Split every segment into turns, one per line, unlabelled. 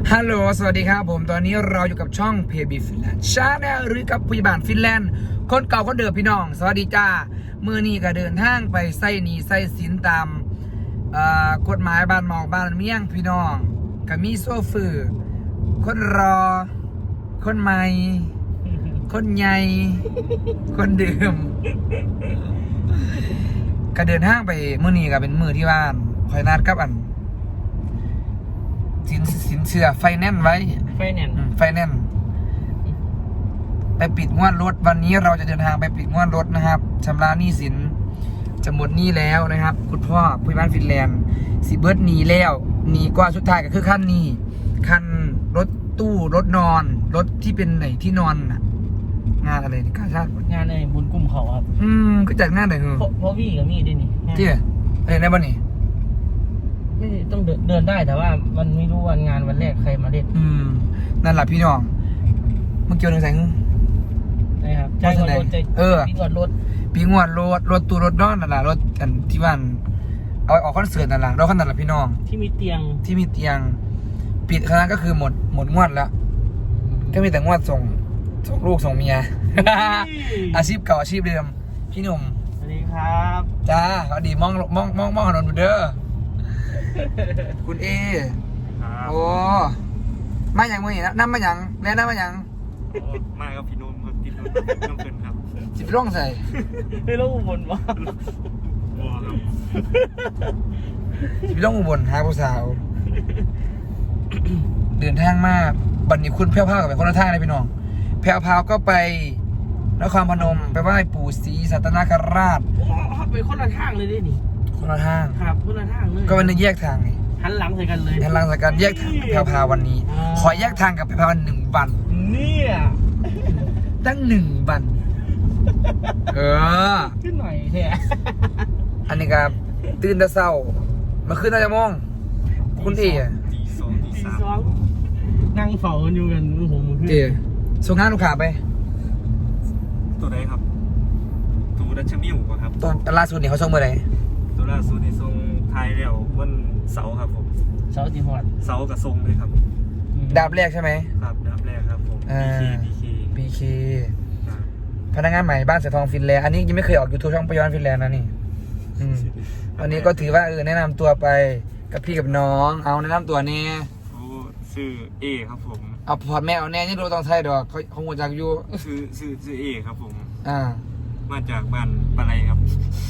ฮัลโหลสวัสดีครับผมตอนนี้เราอยู่กับช่องเพบีฟินแลนด์ชาแนลหรือกับพยาบาลฟินแลนด์คนเก่าคนเดิมพี่น้องสวัสดีจ้ามือนี้ก็เดินทางไปไส้หนีไส้สินตามกฎหมายบ้านหมอกบ้านเมี่ยงพี่น้องก็มีโซฟือคนรอคนใหม่คนใหญ่คนเดิมก็เดินทางไปมือนี้ก็เป็นมือที่บ้านคอยนัดกับสินเชื่อไฟแนนซ์ไว้ไฟแนนซ์ไปปิดงวดรถวันนี้เราจะเดินทางไปปิดงวดรถนะครับชำระหนี้สินจะหมดหนี้แล้วนะครับคุณพ่อผู้บ้านฟินแลนด์สิเบิร์ดหนีแล้วหนีกว่าสุดท้ายก็คือขั้นนี้คันรถตู้รถนอนรถที่เป็นไหนที่นอนงานอะไรนี่กาชาติ
งานในบุญกลุ่มเขาครับ
ก็จัดงานไหนเหรอ
เพราะพี่กับมี่ด้วยนี่
ที่อะไรในบ้านนี่
ไม่ต้องเดินได้แต่ว่ามันไม่รู้วันงานวันแรกใครมาเล่น
นั่นแหละพี่น้องเมื่อกี้วันหนึ่งใส่
นะครับใจงวดรถปีงวดรถ
รถตู้รถนอนนั่นแหละรถกันที่บ้านเอาออกคอนเสิร์ตนั่นแหละรถคันนั้นแหละพี่น้อง
ที่มีเตียง
ปิดคณะก็คือหมดงวดแล้วก็มีแต่งวดส่งลูกส่งเมียอาชีพเก่าอาชีพเดิมพี่หนุ่ม
สวัสดีครับ
จ้าสวัสดีมองถนนเด้อคุณเอโอ้มาอย่างมื่อนี้นะน้ำมาอย่างแล้วน้ำมาอย่าง
มากับพี่นุ่มครับพี่นุ่มน้ำเกินครับ
จิบร่องใส่
ไม่รู้อุบลวะ
จิบร่องอุบลหาผู้สาวเดินทางมากบัดนี้คุณแพ้วพาวกับไปคนละทางเลยพี่น้องแพ้วพาวก็ไปนครพนมไปไหว้ปู่ศรีสัตนคราช
ไปคนละทางเลยดินี่
คนละทาง
ครับคนละทางเลย
ก็วันนึงแยกทางไง
หันหลังใส่กันเลย
หันหลังใส่กันแยกทางแพ้วพาววันนี้ขอแยกทางกับแพ้วพาว1 วัน
เนี่ย
ตั้ง1 วัน
ขึ้นหน่อยแท้
อันนี้ครับตื่นแต่เช้ามาขึ้นน่าจะมองคุณเอ๋
ตีสอง
นั่งเฝ้ากันอยู่กันผมขึ้น
ส่งงานลูกค้าไป
ตัวไหนครับตัวดัชมิวป่ะครับ
ตอนล่าสุดนี่เขาส่งเมื่อไหร่
ตัวล่าสุดนี่ส่งไทยแล้ววันเสาร์ครับผม
เสาร์ที่หอด
เสาร์กับส่งเลยครับ
ดาบแรกใช่ไหม
ครับดาบแรกครับผม
BK พนักงานใหม่บ้านเสือทองฟินแลนด์อันนี้ยังไม่เคยออก YouTube ช่องปยอนฟินแลนด์นะนี่วันนี้ก็ถือว่าแนะนำตัวไปกับพี่กับน้องเอาแนะนำตัวนี่
ชื่อเอครับผม
เอาพอดแม่เอาแน่นี่ดูต้องไทยดอกเขาหัวจักอยู่
ชื่อเอครับผม
มา
จากบ้านปะไรครับ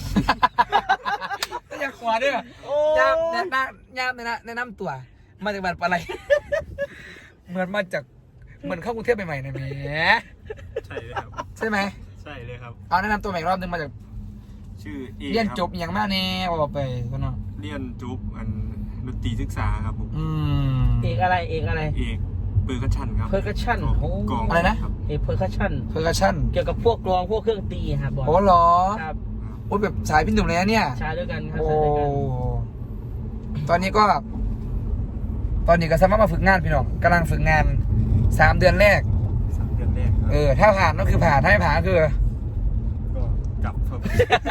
อยากขวาด้วยย่ามแนะนำตัวมาจากบ้านปะไรเหมือนเข้ากรุงเทพใหม่ๆนะแม่
ใช่เลยครับ
ใช่ไหม
ใช่เลยครับ
เอาแนะนำตัวใหม่รอบนึงมาจาก
ชื่อเอ
เรียนจบอย่างมากแน่บอกไปคนเนาะ
เรียนจบดนตรีศึกษาครับผม
เอกอะไร
เอกเปอร์คัชชั่นครับ
เปอร์คัชชั่น
กองอะไรนะ
เอกเปอร์คัชชั่นเกี่ยวกับพวกกลองพวกเครื่องตีครับ
โอ้หรอครับโอ้แบบสายพี่หนุ่มเลยนะเนี่ย
สายด้วยกันครับ
โอ้ตอนนี้ก็สามารถมาฝึกงานพี่น้องกำลังฝึกงาน3 เดือนแรกถ้าผ่านก็คือผ่านถ้าไม่ผ่านก็คือ
ก็จับครับ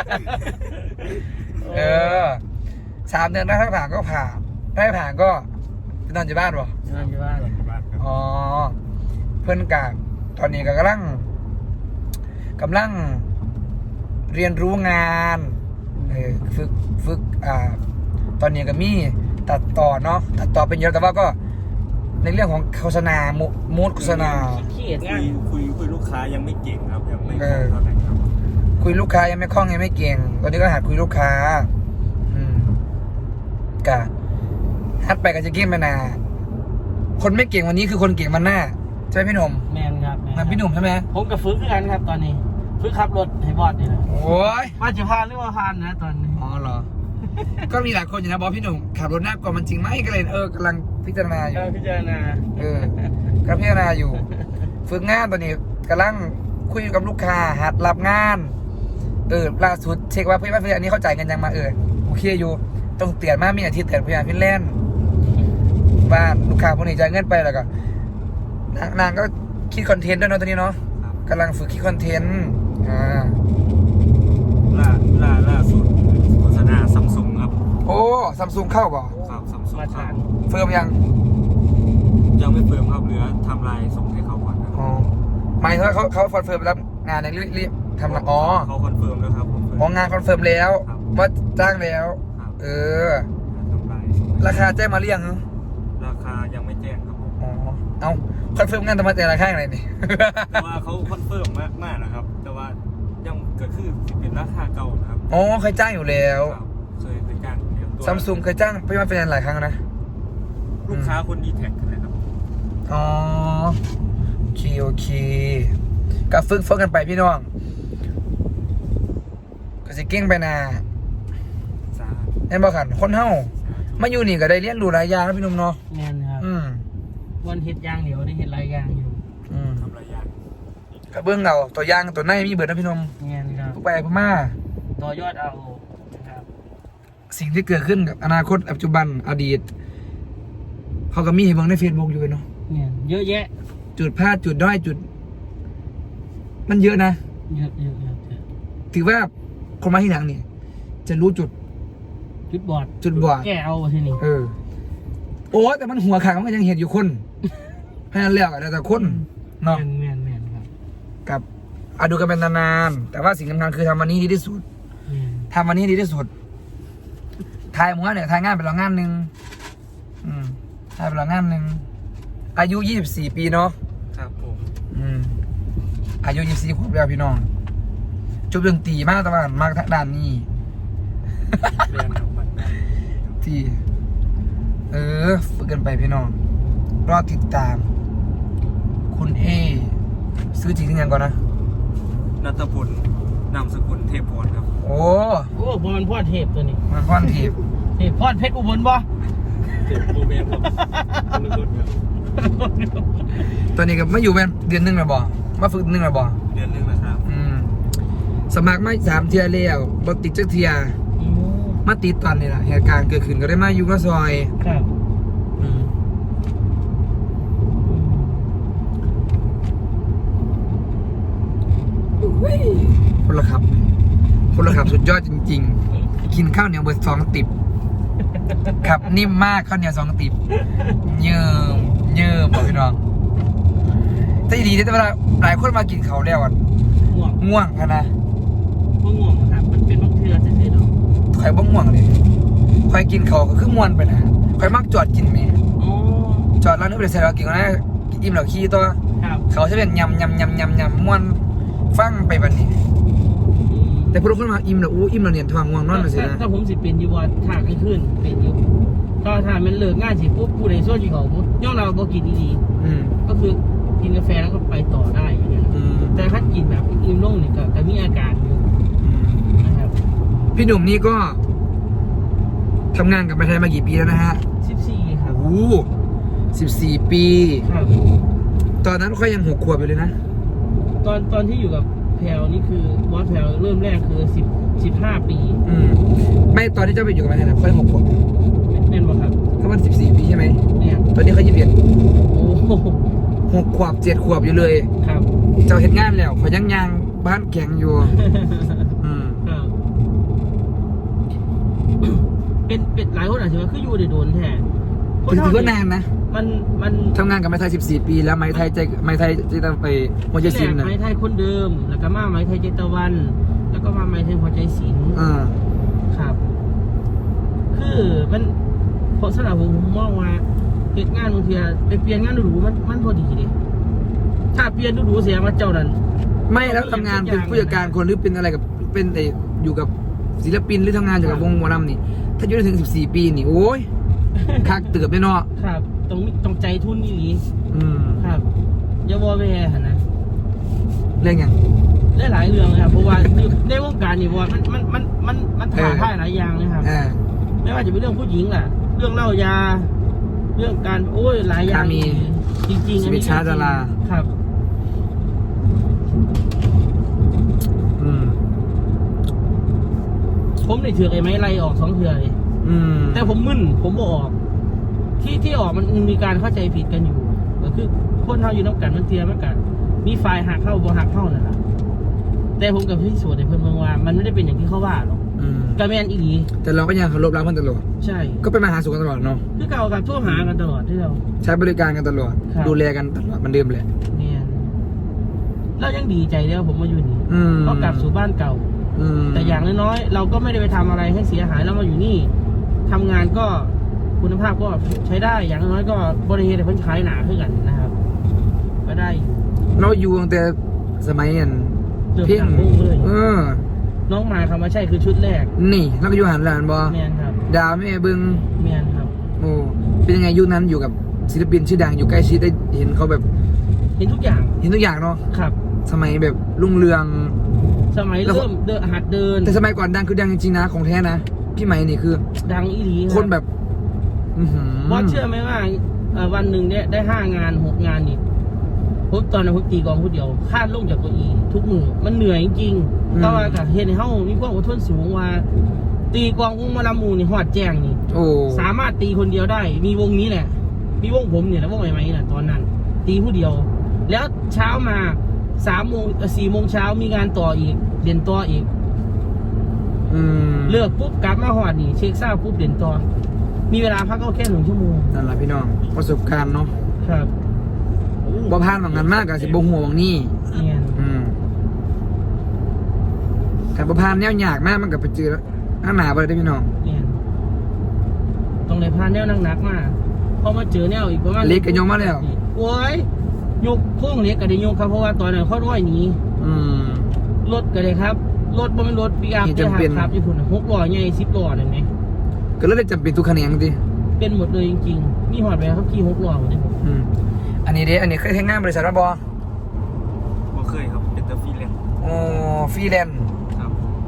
3 เดือนถ้าผ่านก็ผ่านถ้าไม่ผ่านก็ไปนอนอยู่บ้าน
ป่ะนอนอยู่บ้าน
อ๋อเพื่อนกาตอนนี้ก็กำลังเรียนรู้งานฝึกตอนนี้ก็มีตัดต่อเนาะตัดต่อเป็นเยอะแต่ว่าก็ในเรื่องของโฆษณามูดโฆษณา
คุยลูกค้ายังไม่เก่งครับยังไม่คล่องเท่าไหร่ครับ
คุยลูกค้ายังไม่คล่องยังไม่เก่งตอนนี้ก็หัดคุยลูกค้ากะหัดไปกับจะเก่งมานาคนไม่เก่งวันนี้คือคนเก่งวันหน้าใช่ไหมพี่หนุ่ม
แมนครับ
นั่นพี่หนุ่มใช่ไหม
ผมกับฝึกกันครับตอนนี้ฝึกขับรถให้บอสนี่แหละ
โอ้ย
ว่าจะพาหรือว่าพานนะตอนนี้
อ๋อเหรอก็มีหลายคนอยู่นะบอกพี่หนุ่มขับรถหน้ากว่ามันจริงไหมก็เลยกำลังพิจารณาอยู่
ก็พิจารณ
าอยู่ฝึกงานตอนนี้กำลังคุยกับลูกค้าหัดรับงานล่าสุดเช็คว่าพี่ว่าอันนี้เขาจ่ายเงินยังมาโอเคอยู่ต้องเตือนมากมีอาทิตย์เตือนพยานฟินแลนด์บ้านลูกค้าพวกนี้จ่ายเงินไปแล้วก็นางก็คิดคอนเทนต์ด้วยเนาะตอนนี้เนาะกำลังฝึกคิดคอนเทนต์
ล่าสุดโฆษณาซัมซุงครับ
โอ้ซัมซุงเข้าป่ะ
ครับซัมซุง
เฟิร์มยัง
ยังยังไม่เฟิร์มครับเหลือทำลายส่งให้เขาก่อนครับ
อ๋อหมายถึงว่าเขาคอนเฟิร์มรับงานอย่างรีบทำละอ๋อ
เขาคอนเฟิร์มแล้วครับผม
อ๋องานคอนเฟิร์มแล้ว
ครับ
ว่าจ้างแล้ว
ครับ
เออ
ทำลายส่งให้
ราคาแจ้งมาเรียงเหรอ
ราคายังไม่แจ้งครับผม
อ๋อเอาคอนเฟิร์มงานทำไมแต่ราคาอะไรนี่
แต่ว่าเขาคอนเฟิร์มมากนะครับ แต่ว่ายังเกิดขึ้นเป็นราคาเก่านะครับ
อ๋อเคยจ้างอยู่แล้ว
ครับเคยจ้างเดียวตัว
ซัมซุงเคยจ้างพี่มาเป็นหลายครั้งนะ
ลูกค้าคนดีแท็กนะครับ
อ๋อโอเคโอเคกับฝึกกันไปพี่น้องก็สิเก่งไปนะ
สา
แน่นบ่ขันคนเฮามาอยู่นี่ก็ได้เรียนรู้หลายอย่างนะพี่หนุ่มเนาะ
แม่นครับ
อืม
วันเฮ็ดย่างเดี๋ยวได้เฮ็ดหลายอย่างอยู่
อืม
ทำหลายอย่าง
ก็เบื้องเอาตัวอย่างตัวในมีเบิดนะพี่หนุ่ม
แม่นครับ
ผู้ไปผู้มา
ต่อยอดเอานะครับ
สิ่งที่เกิดขึ้นกับอนาคตปัจจุบันอดีตเขาก็มีให้เบิ่งใน Facebook อยู่เนาะ
แม่นเยอะแยะ
จุดพลาดจุดด้อยจุด มันเยอะนะ
เยอะเยอะเยอะเยอะ
ถือว่าคนมาที่หลังเนี่ยจะรู้จุด
จุดบอด
จุดบอด
แก้เอาทีนี้
เออ โอ้แต่มันหัวขาดมันก็ยังเห็นอยู่คนเพราะฉะนั้นแล้วก็แล้วแต่คนเนาะ
แม่นแม่นครับ
กับดูกันเป็นนานๆแต่ว่าสิ่งสำคัญคือทำวันนี้ดีที่สุด
แม่น
ทำวันนี้ดีที่สุดทายหมู่บ้านเนี่ยทายงานเป็นรองงานหนึ่งทายเป็นรองงานหนึ่งอายุ24 ปีเนาะ
ครับผม
อายุ24 ขวบแล้วพี่น้องจบดนตรีมากแต่ว่ามากทางด้านนี้
เรียนครับบัตรแบบ
ที่ฝึกกันไปพี่น้องรอติดตาม คุณเอซื้อจริงยังก่อนนะ
นัทพลนามสกุลเทพพรครับ
โอ้
โอ้บอลพอดเทปตัวนี้
มันค่อนทีบ
เทปพอดเพชรอุบลบ่
เทพโบเมนครับคนละคนครับ
ตอนนี้ก็ไม่อยู่เป็นเดือนหนึงแล้วบ่มาฝึกเดือนหนึงแล้วบ่
เดือนหนึงนะครับ
สมัครไม่3 เที่ยแล้วบ่ติดจักเที่ย
อืม
มาติดตอนนี้ล่ะเหตุการณ์เกิดขึ้นก็ได้มาอยู่กับซอย
ครับ
อืมคนละครับสุดยอดจริงๆ กินข้าวเหนียวเบอร์2 ติบครับนิ่มมากข้าวเหนียว2 ติบเยิ่มบอกพี่น้องแต่ดีที่เวลาหลายคนมากินเขาวแล้วอ่ะ
ง่วง
ง่วงกันนะ
บ่ง่วงครับมันเป็นบางเทื่อซื่อๆเนาะ
คอยบ้ง่วงเลยคอยกินเขาวก็คือม่วนไปนะคอยมักจอดกินเม
อ๋อ
จอดแล้วนึกไปใส่เรากินก็ได้อิ่มเหล่าขี้ตัว
ครับ
เขาจะเป็นยำม่วนฟังไปแบบนี้
อืม
แต่พวกคนมาอิ่มแล้วอิ่มแล้วเนี่ยทองง่วงนอนเลยสินะ
ถ้าผมสิเป็นอยู่บ่ถ้ากลางคืนเป็นอยู่ถ้ามันเลิกงานสิปุ๊บผู้ใดช่วยสิเขาปุ๊บย่อเราบ่กินดี
อืม
ๆก็คือกินกาแฟแล้วก็ไปต่อได้อย่างเงี้ย
อืม
แต่ถ้ากินแบบอิ่มลงนี่ก็มีอาการอยู่
อืม
นะครับ
พี่หนุ่มนี่ก็ทำงานกับประเทศมากี่ปีแล้วนะฮะ
14ครับ
โอ้โห14 ปี
ครับ
ตอนนั้นค่อยยัง6 ขวบอยู่เลยนะ
ตอนที่อยู่กับแพลวนี่คือบอสแพลวเริ่มแรกคือ15 ปี
ไม่ตอนที่เจ้าไปอยู่กับประเทศนะค่อย6 ขวบ
แน่นบ่ครับ
เขามัน14 ปีใช่ไหม
เนี่ย
ตอนนี้เขา21
โอ้โห
6 ขวบ7 ขวบอยู่เลย
ครับ
เจ้าเห็นงานแล้วเขายังบ้านแข็งอยู่
ครับเป็นหลายคนอาจจะว่าคืออยู่ในโดนแท้
ถือว่านานนะ
มัน
ทำงานกับไม้ไทย14 ปีแล้วไม้ไทยจะต้องไปหัวใจศิลป์นะ
ไม้ไทยคนเดิม แล้วก็มาไม้ไทยเจตวัน แล้วก็มาไม้ไทยหัวใจศิลป์ ครับ คือมันเพราะสำหรับผมมองว่าเปลี่ยนงานบางทีไปเปลี่ยนงานดูๆมันพอดีดิถ้าเปลี่ยนดูๆเสียมาเจ้านั้น
ไม่แล้วทำงานเป็นผู้จัดการคนหรือเป็นอะไรกับเป็นอยู่กับศิลปินหรือทำงานอยู่กับวงหมอลำนี่ ถ้าอยู่ได้ถึง14 ปีนี่โอ้ยคักเตือบแน่เนาะ
ครับต้องใจทุนนี่หลี
อืม
ครับอย่าวอแวร์หั่นนะ
เรื่องอย่าง
ได้หลายเรื่องเลยครับเพราะว่าในวงการนี่ว่ามันถ่ายทายหลายอย่างเลยครับ ไม่ว่าจะเป็นเรื่องผู้หญิงล่ะ เรื่องเล่ายา เรื่องการโอ้ยหลายอย่าง
มี
จริงๆ
ชีวิตช้าดารา
ครับ
อืม
ผมได้ถือไอ้ไม้ไล่ออก2 เทื่อเลย
อืม
แต่ผมมึนผมบออก ที่ออกมันมีการเข้าใจผิดกันอยู่ก็คือคนเท่าอยู่น้ำกันมันเทียมันกันมีฝ่ายหักเข้าบ่หักเข้านั่นแหละแต่ผมกับพี่สวดในเพื่อนเมืองว่ามันไม่ได้เป็นอย่างที่เขาว่าหรอกกระแมนอีหลี
แต่เราก็ยังเคารพรักมันตลอด
ใช่
ก็เป็นมาหาสู่กันตลอดเนาะ
คือเก่ากับโทรหากันตลอดที่เรา
ใช้บริการกันตลอด
ครับ
ดูแลกันตลอดมันเดิมแหละ
แมนเรายังดีใจแล้วผมมาอยู่นี่
อืม
ก็กลับสู่บ้านเก่า แต่อย่างน้อยๆเราก็ไม่ได้ไปทำอะไรให้เสียหายแล้วมาอยู่นี่ทำงานก็คุณภาพก็ใช้ได้อย่างน้อยก็บริเวณเพิ่นขายหนาขึ้นกันนะครับ ก็ได้อยู่
เราอยู่ตั้งแต่สมัยอัน
เริ่ม
เพ่ง
ทำวงเลย น้องมาคำว่าใช่คือชุดแรก
นี่เราก็อยู่หันหลานบอ
แมนครับ
ดาวแม่เบึง
แมนครับ
โอ้เป็นยังไงยุคนั้นอยู่กับศิลปินชื่อดังอยู่ใกล้ชิดได้เห็นเขาแบบ
เห็นทุกอย่าง
เห็นทุกอย่างเนาะ
ครับ
สมัยแบบรุ่งเรือง
สมัย
แล้ว
เริ่มหัดเดิน
แต่สมัยก่อนดังคือดังจริงๆนะของแท้นะพี่ไหมนี่คือ
ดังอีหลี
คนแบบอื้อหือ
บอสเชื่อไหมว่าวันหนึ่งเนี่ยได้5 งาน 6 งานนี่ผมตอนนั้นผมตีกลองผู้เดียวคาดลงจากเก้าอี้ทุกมือมันเหนื่อยจริงๆแต่ว่ากับเฮ็ดให้เฮามีความอดทนสูงว่า ตีกลองวงมาลามูนี่ฮอดแจ้งนี่
โอ้
สามารถตีคนเดียวได้ มีวงนี้แหละ มีวงผมเนี่ยแล้ววงใหม่ๆน่ะตอนนั้น ตีผู้เดียว แล้วเช้ามา4 โมงเช้ามีงานต่ออีกเรียนต่ออีก
อืม
เลิกปุ๊บกลับมาหอดนี่เช็คเศร้าปุ๊บเรียนต่อ มีเวลาพักก็แค่1 ชั่วโมง
นั่นแหละพี่น้องประสบการณ์เนาะ
ครับ
บ่ผ่านบางงานมากกับสิบ่หัวบางนี่
เนี่ย
แต่บ่ผ่านแนวยากมากมันก็ไปเจอข้างหน้าบ่ได้พี่น้อง
เนี่ยต้องเลยพาแนวหนักๆมาพอมาเจอแนวอีกประมาณ
เล็กก็ยกมาแล้ว
โอ้ยยกโค้งเล็กก็ได้ยกครับเพราะว่าตอนนั้นเขาร้อยหนี
อืม
รถก็ได้ครับรถบ่เป็นรถปีอาร์
นี่
เปีย
จำเป็น
ครับญี่ปุ่น6 ล้อใหญ่10 ล้อนั่นไหม
ก็เลยได้จำเป็นทุกคะแนนจริง
เป็นหมดเลยจริงๆ มีหอดไปครับขี่6 ล้อหมดเลยผม
อืมอันนี้เด้อันนี้เคยทำงานบริษัทบ่
บ่เคยครับเป็นแต่ฟรีแลนซ์
โอ้ฟรีแลนซ์
ครับ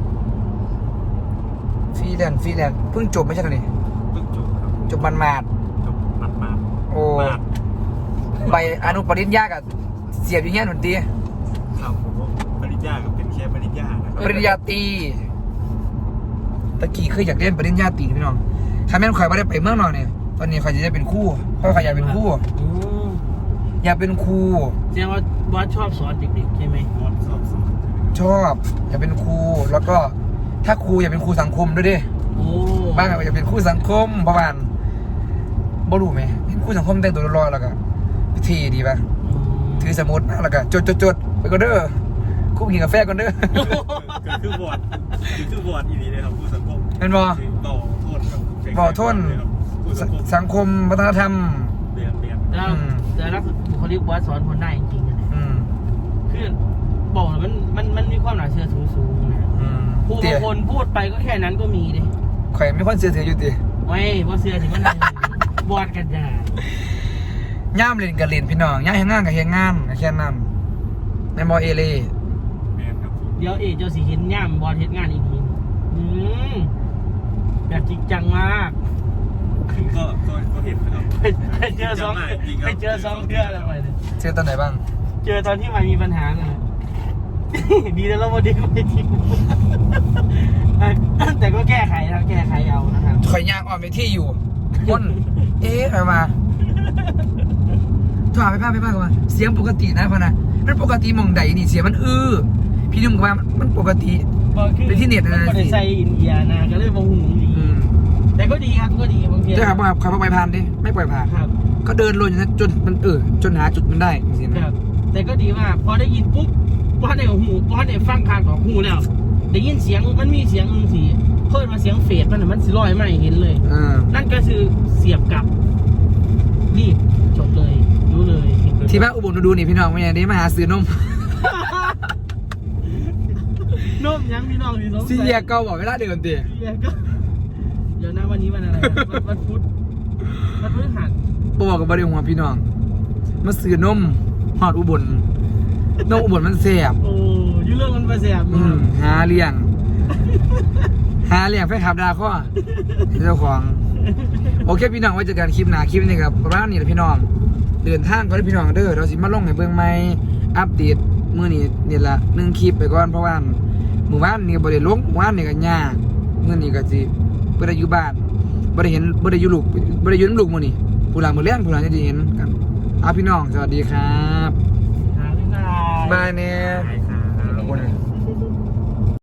ฟรีแลนซ์เพิ่งจบไม่ใช่เหรอนี่
เพิ่งจบครับ
จบมันมาด
จบมา
โอ้
มาด
ไปอนุปริญญากับเสียบอยู่เงี้ยหนุนตี
ครับผมว่าปริญญากับเป็นแค่ปริญญานะครับ
ปริญญาตรีตะกี้เคยอยากเรียนปริญญาตรีพี่น้องถ้าแม่นข่อยไม่ได้ไปเมืองนอกเนี่ยตอนนี้ข่อยจะได้เป็นครูข่อยอยากเป็นครู
อืม
อยากเป็นครู
แสดงว่าบอสชอบสอนเด็กๆใช่ไหม
มอดสอบ
ชอบอยากเป็นครูแล้วก็ถ้าครูอยากเป็นครูสังคมด้วยดิ
โอ้
บ้างอยากเป็นครูสังคมประมาณบ่รู้ไหมเป็นครูสังคมแต่งตัวรอๆแล้วก็พิธีดีป่ะถือสมุดมาแล้วก็จดไปก็เด้อครูกินกาแฟก่อนเด้อ
ก็คือบอร์ดอีนี้เลยครับผู้สังคม
เป็นบ่
ต่อโทษครับ
บ่โทษ
ผู้สังคม
สังคมวัฒนธรรม
เรียน
แล้วแต่ละบุคลิกบอสสอนคนได้จริงๆนะ
อืม
คือบอกเลยมันมีความน่าเชื่อสูงๆนะ
อืม
ผู้
เตี๋
บาย งคนพูดไปก็แค่นั้นก็มีเลย
ข่อยมีคนเสียอยู่ติ
ไม่บอสเชื่อถึงมันบอสกันจ้า
ย่ามเล่นกับเล่นพี่น้องย่ามเฮ็ดงานกับเฮ็ดงานก็แค่นั้นแม่นบ่เอเล่
แมนครับ
เดี๋ยวเจ้าสีเห็นย่ามบอสเห็นงานอีกทีแบบจริงจังมาก
ก็เห็นนะครับ
ไปเจอสองเพื่อนแล้วไปเลย
เจอตอนไหนบ้าง
เจอตอนที่มันมีปัญหาเลย ดีแล้วเราไม่ได้ไม่ทิ้งแต่ก็แก้ไขนะแก้ไขเอานะครับ
ข่อยย่างออกไปที่อยู่คนเอ๊ะอะไรมาโทรหาไปป้ากันว่าเสียงปกตินะพ่อนะมันปกติมองใดนี่เสียงมันพี่นุ่มก็ว่ามันปกติ เป็นที่เน็ตนะ
ก็ได้ใส่อินเดียนะก็เลยมองหูดี
อืม
แต่ก็ดีครับก็ดีบางที
ใช่ครับขับไปผ่านดิไม่ปล่อยผ่าน
ครับ
ก็เดินลงอย่างนั้นจนมันจนหาจุดมันได้จริงๆ
ค
นะ
รับ แต่ก็ดีมากพอได้ยินปุ๊บพอได้หูพอได้ฟังคางของหูแล้วได้ยินเสียงมันมีเสียงสีเพิ่มมาเสียงเฟดมันสิลอยไม่เห็นเลย นั่นก็คือเสียบกลับรีบจบเลยรู้เลย
ที่บ้านอุบลดูนี่พี่น้องไม่ยังได้มาหาซื้อนม
นมยังพี่น้องพี่น้อง
ซีเรียเก่าบอกเวลาเดิมตี
เสียก็เดี๋ยวนะวันนี้วันอะไรวันพุธวันพฤหัส
บอกกับบริวารพี่น้องมาซื้อนมหอดอุบลนมอุบลมันแสบ
โอ้ยุ่เรื่องมันไปแสบ
หาเลี้ยงแฟนคลับดาข้อเจ้าของโอเคพี่น้องไว้เจอกันคลิปหน้าคลิปนี้ครับประมาณนี้แหละพี่น้องเดินทางก็ได้พี่น้องเด้อเราสิมาลงให้เบิ่งใหม่อัปเดตมื้อนี้นี่ละ1คลิปไปก่อนเพราะว่ามื้อวานนี่บ่ได้ลงมื้อวานนี่ก็ยากมื้อนี้ก็สิบ่ได้อยู่บ้านบ่ได้อยู่ลูกบ่ได้อยู่นำลูกมื้อนี้ผู้หลังมื้อเลี้ยงผู้หลังจะได้เห็นกันเอาพี่น้องสวัสดีครับ
หาไม่ได้
บายเนี่ย
ใช่ครับ
ขอบคุณ